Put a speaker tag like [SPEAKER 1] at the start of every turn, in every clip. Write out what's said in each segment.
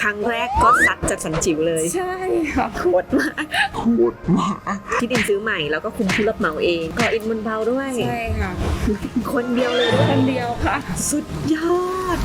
[SPEAKER 1] ครั้งแรกก็ซัดจัดสรรจิ๋วเลย
[SPEAKER 2] ใช่ค่ะ
[SPEAKER 1] โคตรมากที่ดินซื้อใหม่แล้วก็คุมผู้รับเหมาเองก่ออิฐมวลเบาด้วย
[SPEAKER 2] ใช่ค่ะ
[SPEAKER 1] คนเดียวเลย
[SPEAKER 2] คนเดียวค่ะ
[SPEAKER 1] สุดยอด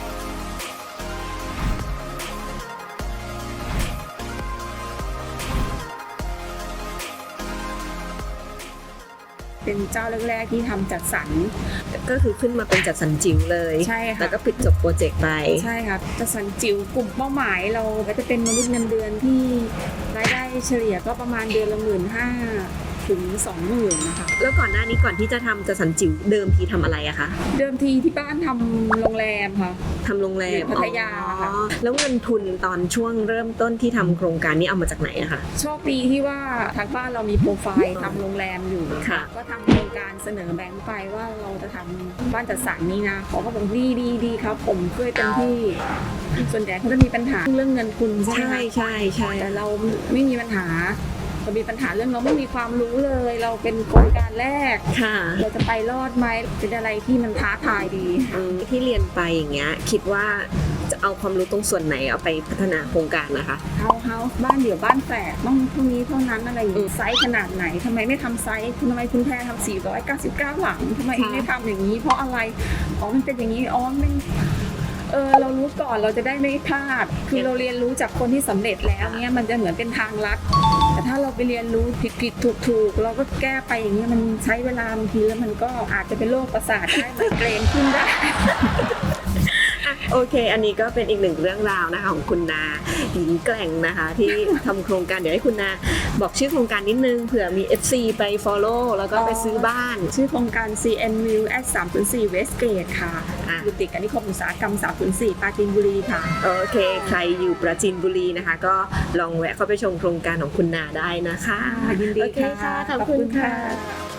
[SPEAKER 2] เป็นเจ้าแรกๆที่ทำจัดสรร
[SPEAKER 1] ก็คือขึ้นมาเป็นจัดสรรจิ๋วเลย
[SPEAKER 2] ใช่ค่ะ
[SPEAKER 1] แล้วก็ปิดจบโปรเจกต์ไป
[SPEAKER 2] ใช่ค่ะจัดสรรจิ๋วกลุ่มเป้าหมายเราก็จะเป็นมนุษย์เงินเดือนที่รายได้เฉลี่ยก็ประมาณเดือนละ15,000 ถึง 20,000นะคะ
[SPEAKER 1] แล้วก่อนหน้านี้ก่อนที่จะทำจัดสรรจิ๋วเดิมทีทำอะไรอะคะ
[SPEAKER 2] เดิมทีที่บ้านทำโรงแรมค่ะ
[SPEAKER 1] ทำโรงแรม
[SPEAKER 2] พัทยาค่ะ
[SPEAKER 1] แล้วเงินทุนตอนช่วงเริ่มต้นที่ทำโครงการนี้เอามาจากไหนอะคะ
[SPEAKER 2] โชคดีที่ว่าทางบ้านเรามีโปรไฟล์ทำโรงแรมอยู่
[SPEAKER 1] ค่ะ
[SPEAKER 2] ก็ทำโครงการเสนอแบงค์ไปว่าเราจะทำบ้านจัดสรรนี้นะเขาก็บอกดีครับผมช่วยเต็มที่ส่วนใหญ่เขาจะมีปัญหาเรื่องเงินทุนใช่ไหม
[SPEAKER 1] ใช่
[SPEAKER 2] แต่เราไม่มีปัญหาเรามีปัญหาเรื่องเราไม่มีความรู้เลยเราเป็นโครงการแรกเราจะไปรอดไหมเป็นอะไรที่มันท้าทายดี
[SPEAKER 1] ที่เรียนไปอย่างเงี้ยคิดว่าจะเอาความรู้ตรงส่วนไหนเอาไปพัฒนาโครงการนะคะ
[SPEAKER 2] เฮาบ้านเดี่ยวบ้านแฝดต้องเท่านี้เท่านั้นอะไรอย่างไซส์ขนาดไหนทำไมไม่ทำไซส์ทำไมคุณแพรทำ499หลังทำไมไม่ทำอย่างนี้เพราะอะไรมันเป็นอย่างนี้มันเรารู้ก่อนเราจะได้ไม่พลาดคือเราเรียนรู้จากคนที่สำเร็จแล้วเนี้ยมันจะเหมือนเป็นทางลัดแต่ถ้าเราไปเรียนรู้ผิดถูกเราก็แก้ไปอย่างนี้มันใช้เวลาบางทีแล้วมันก็อาจจะเป็นโรคประสาทได้ไมเกรนขึ้นได้
[SPEAKER 1] โอเคอันนี้ก็เป็นอีกหนึ่งเรื่องราวนะคะของคุณนาหญิงแกร่งนะคะที่ทำโครงการเดี๋ยวให้คุณนาบอกชื่อโครงการนิดนึงเผื่อมี FC ไป follow แล้วก็ไปซื้อบ้าน
[SPEAKER 2] ชื่อโครงการ CN View at 304 Westgate ค่ะอยู่ติดกับนิคมอุตสาหกรรม304ปราจีนบุรีค่ะ
[SPEAKER 1] โอเคใครอยู่ปราจีนบุรีนะคะก็ลองแวะเข้าไปชมโครงการของคุณนาได้นะคะ
[SPEAKER 2] ยินดี
[SPEAKER 1] ค่ะขอบคุณค่ะ